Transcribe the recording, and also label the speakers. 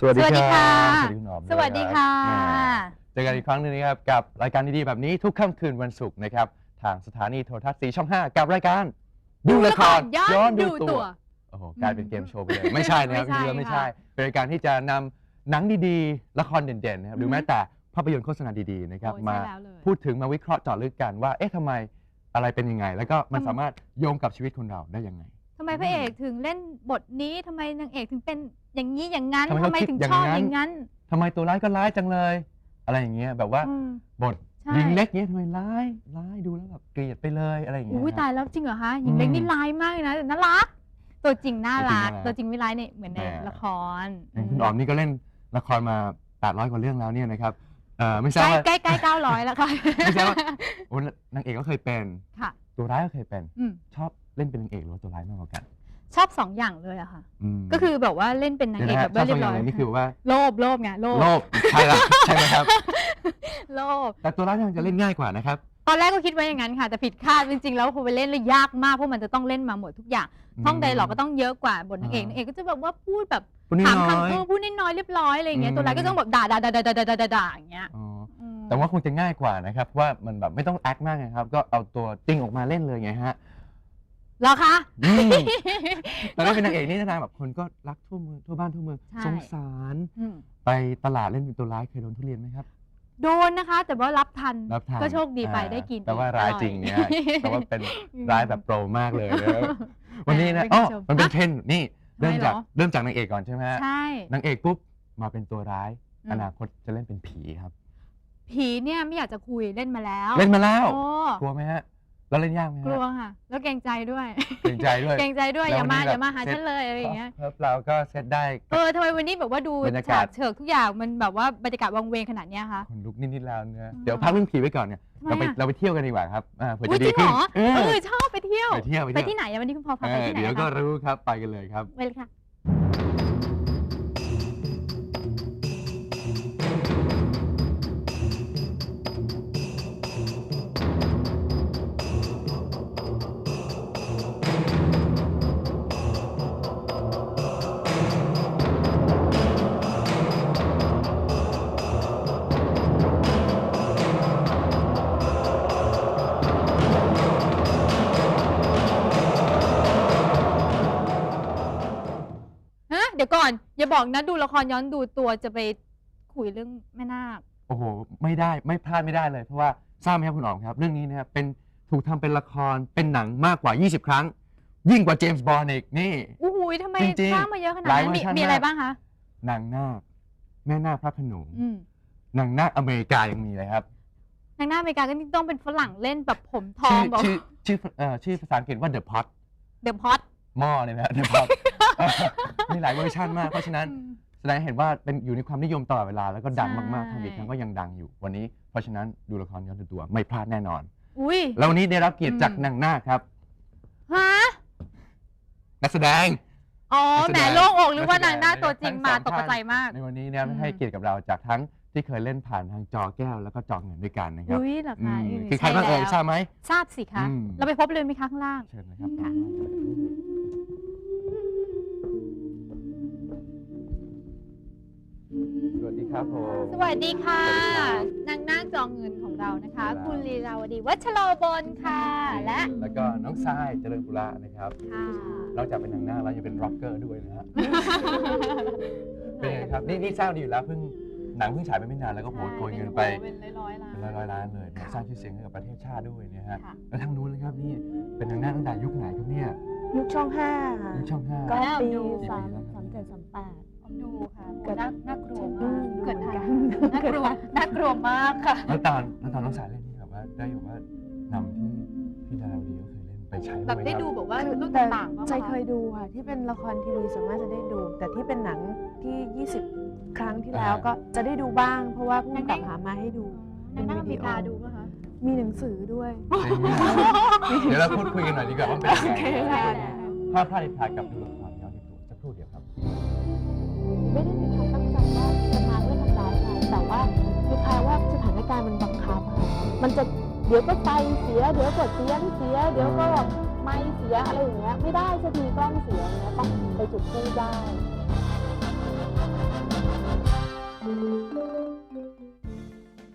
Speaker 1: สวัสดีค่ะ
Speaker 2: สวัสดีคุณออม
Speaker 1: สวัสดีค่ะ
Speaker 2: เจอกันอีกครั้งหนึงนะครับกับรายการดีๆแบบนี้ทุกค่ำคืนวันศุกร์นะครับทางสถานีโทรทัศน์สีช่อง 5 กับรายการดูละครย้อนดูตัวโอ้โหกลายเป็นเกมโชว์ไปเลยไม่ใช่นะครับจริงๆไม่ใช่เป็นรายการที่จะนำหนังดีๆละครเด่นๆนะครับหรือแม้แต่ภาพยนตร์โฆษณาดีๆนะครับมาพูดถึงมาวิเคราะห์เจาะลึกกันว่าเอ๊ะทำไมอะไรเป็นยังไงแล้วก็มันสามารถโยงกับชีวิตคนเราได้ยังไง
Speaker 1: ทำไมพระเอกถึงเล่นบทนี้ทำไมนางเอกถึงเป็นอย่างนี้อย่างนั้น
Speaker 2: ทำไม
Speaker 1: ถึงชอบอย่างนั้น
Speaker 2: ทำไมตัวร้ายก็ร้ายจังเลย อะไรอย่างเงี้ยแบบว่าบทหญิงเล็กเนี้ยทำไมร้ายดูแล้วแบบเกลียดไปเลยอะไรอย่างเงี้ย
Speaker 1: อุ้ยตายแล้วจริงเหรอคะหญิงเล็กนี่ร้ายมากเลยนะแต่น่ารักตัวจริงน่ารักตัวจริงไม่ร้ายเนี่ยเหมือนในละคร
Speaker 2: คุณออมนี่ก็เล่นละครมา800 กว่าเรื่องแล้วเนี่ยนะครับไม่ใช่
Speaker 1: ใกล้900แล้วค่ะ
Speaker 2: ไม่ใช่ว่านางเอกก็เคยเป็นตัวร้ายก็เคยเป็นชอบเล่นเป็นนางเอกหรือว่าตัวร้ายมากกว่ากัน
Speaker 1: ชอบ2 อย่างเลยอะค่ะก็คือแบบว่าเล่นเป็นนางเอกแบบเรียบร้อย
Speaker 2: นี่คือว่า
Speaker 1: โลภไงโลภ
Speaker 2: ใช่แล้วใช่ไหมครับ
Speaker 1: โลภ
Speaker 2: แต่ตัวร้ายมันจะเล่นง่ายกว่านะครับ
Speaker 1: ตอนแรกก็คิดไว้อย่างนั้นค่ะแต่ผิดคาดจริงๆแล้วพอไปเล่นเลยยากมากเพราะมันจะต้องเล่นมาหมดทุกอย่างท่องไดร็อกก็ต้องเยอะกว่าบทนางเอกก็จะแบบว่าพูดแบบถามคำพูดน้อยๆเรียบร้อยอะไรอย่างเงี้ยตัวร้ายก็ต้องแบบด่าอย่างเงี้ย
Speaker 2: แต่ว่าคงจะง่ายกว่านะครับว่ามันแบบไม่ต้องแอคมากนะครับก็เอาตัวจริงออกมาเล่นเลยไงฮะ
Speaker 1: เหรอคะ
Speaker 2: แต่ถ้าเป็นนางเอกนี่นะแบบคนก็รักทั่วเมืองทั่วบ้านทั่วเมืองสงสารไปตลาดเล่นเป็นตัวร้ายเคยโดนทุเรียนไหมครับ
Speaker 1: โดนนะคะแต่ว่ารับทันก็โชคดีไปได้กิน
Speaker 2: แต่ว่าร้ายจริงเนี่ยแต่ว่าเป็นร้ายแบบโปรมากเลยวันนี้นะมันเป็นเทรนด์นี่เริ่มจากนางเอกก่อนใช่ไหม
Speaker 1: ใช่
Speaker 2: นางเอกปุ๊บมาเป็นตัวร้ายอนาคตจะเล่นเป็นผีครับ
Speaker 1: ผีเนี่ยไม่อยากจะคุยเล่นมาแล้ว
Speaker 2: กลัวไหมฮะแล้วเล่นยากไหม
Speaker 1: กลัวค่ะแล้วเกรงใจด้วย
Speaker 2: เกรงใจด้วย
Speaker 1: อย่ามาหาฉันเลยอะไรอย่างเงี้ย
Speaker 2: เราก็เซตได้
Speaker 1: ทำไมวันนี้แบบว่าดูฉากเฉิกทุกอย่างมันแบบว่าบรรยากาศวังเวงขนาดนี้คะ
Speaker 2: คนลุกนิดๆแล้วเนี่ยเดี๋ยวพักเรื่องผีไว้ก่อนเนี่ยเราไปเที่ยวกันดีกว่าครับเผื่อจะดี
Speaker 1: ขึ้นชอบไปเที่ยว
Speaker 2: ไป
Speaker 1: ที่ไหนวันนี้คุณพ่อพาไปที่ไหน
Speaker 2: เดี๋ยวก็รู้ครับไปกันเลยครับ
Speaker 1: ไปเลยค่ะเดี๋ยวก่อนอย่าบอกนะดูละครย้อนดูตัวจะไปคุยเรื่องแม่นาค
Speaker 2: โอ้โหไม่ได้ไม่พลาดไม่ได้เลยเพราะว่าทราบไหมครับคุณอ๋อมครับเรื่องนี้นะครับเป็นถูกทำเป็นละครเป็นหนังมากกว่า20 ครั้งยิ่งกว่าเจมส์บอนด์อีกนี่
Speaker 1: โอ้โหทำไมสร้างมาเยอะขนาดนั้นมีอะไรบ้างคะ
Speaker 2: นางนาคแม่นาคพระโขนงนางนาคอเมริกายังมีเลยครับ
Speaker 1: นางนาคอเมริกาก็ต้องเป็นฝรั่งเล่นแบบผมทองแบบ
Speaker 2: ชื่อภาษาอังกฤษว่า The Pot หม้อเนี่ยนะ The Pot มีหลายเวอร์ชันมากเพราะฉะนั้นแสดงเห็นว่าเป็นอยู่ในความนิยมตลอดเวลาแล้วก็ดังมากๆทางอีกครั้งก็ยังดังอยู่วันนี้เพราะฉะนั้นดูละครย้อนดูตัวไม่พลาดแน่นอนแล้ววันนี้ได้รับเกียรติจากนางนาคครับนักแสดง
Speaker 1: แหมโล่งอกหรือว่านางนาคตัวจริงมาตกใจมาก
Speaker 2: ในวันนี้เนี่ยให้เกียรติกับเราจากทั้งที่เคยเล่นผ่านทางจอแก้วแล้วก็จอเงินด้วยกันนะครับ
Speaker 1: เหรอคะ
Speaker 2: คือใครบ้างทราบไหม
Speaker 1: ทราบสิคะเราไปพบเลยไหมคะข้างล่าง
Speaker 2: เชิญเลยครับสวัสดีครับผม
Speaker 1: สวัสดีค่ะนางนาคจอเงินของเรานะคะคุณลีลาวดีวัชโรบลค่ะ
Speaker 2: แล้วก็น้องทรายเจริญปุระนะครับนอกจากเป็นนางนาคแล้วยังเป็นร็อกเกอร์ด้วยนะฮะเป็นไงครับนี่ทราบดีอยู่แล้วหนังเพิ่งฉายไปไม่นานแล้วก็โกยเงินไป
Speaker 1: เป็นร้อย
Speaker 2: ล้านเลยสร้างชื่อเสียงให้กับประเทศชาติด้วยนะฮะแล้วทางนู้นเลยครับนี่เป็นนางนาคตั้งแต่ยุคไหนครับเนี่ย
Speaker 3: ยุคช่อง5
Speaker 2: ยุคช่อง5
Speaker 3: ก็ปี3738
Speaker 1: ดูค่ะน่ากลัวมากเกิดกันน่ากลัวมากค่ะ
Speaker 2: แล้วตอนน้องสายเล่นนี่แบบว่าได้แบบว่านำที่พี่ดาราวดีก็เคยเล่นไปใช้
Speaker 1: แบบได้ดูแบบว่ารุ่นต่าง
Speaker 3: ๆใจเคยดูค่ะที่เป็นละครทีวีสามารถจะได้ดูแต่ที่เป็นหนังที่20 ครั้งที่แล้วก็จะได้ดูบ้างเพราะว่าผู้กำกับหามาให้ดู
Speaker 1: เป็นวิดีโอดูป่ะคะ
Speaker 3: มีหนังสือด้วย
Speaker 2: เดี๋ยวเราพูดคุยกันหน่อยดีกว่าว่าเป็นยังไงภาพพลาดถ่ายกับดูละครย้อนดูตัวจะพูดเดี๋ยวครับ
Speaker 3: ไม่ได้มีความตั้งใจว่าจะมาเพื่อทำร้ายใครแต่ว่าคือคล้ายว่าสถานการณ์มันบังคับค่ะมันจะเดี๋ยวก็ไฟเสียเดี๋ยวก็เสียงเสียเดี๋ยวก็ไม้เสียอะไรอย่างเงี้ยไม่ได้สักทีกล้องเสียเงี้ยต้องไปจุดทูบได้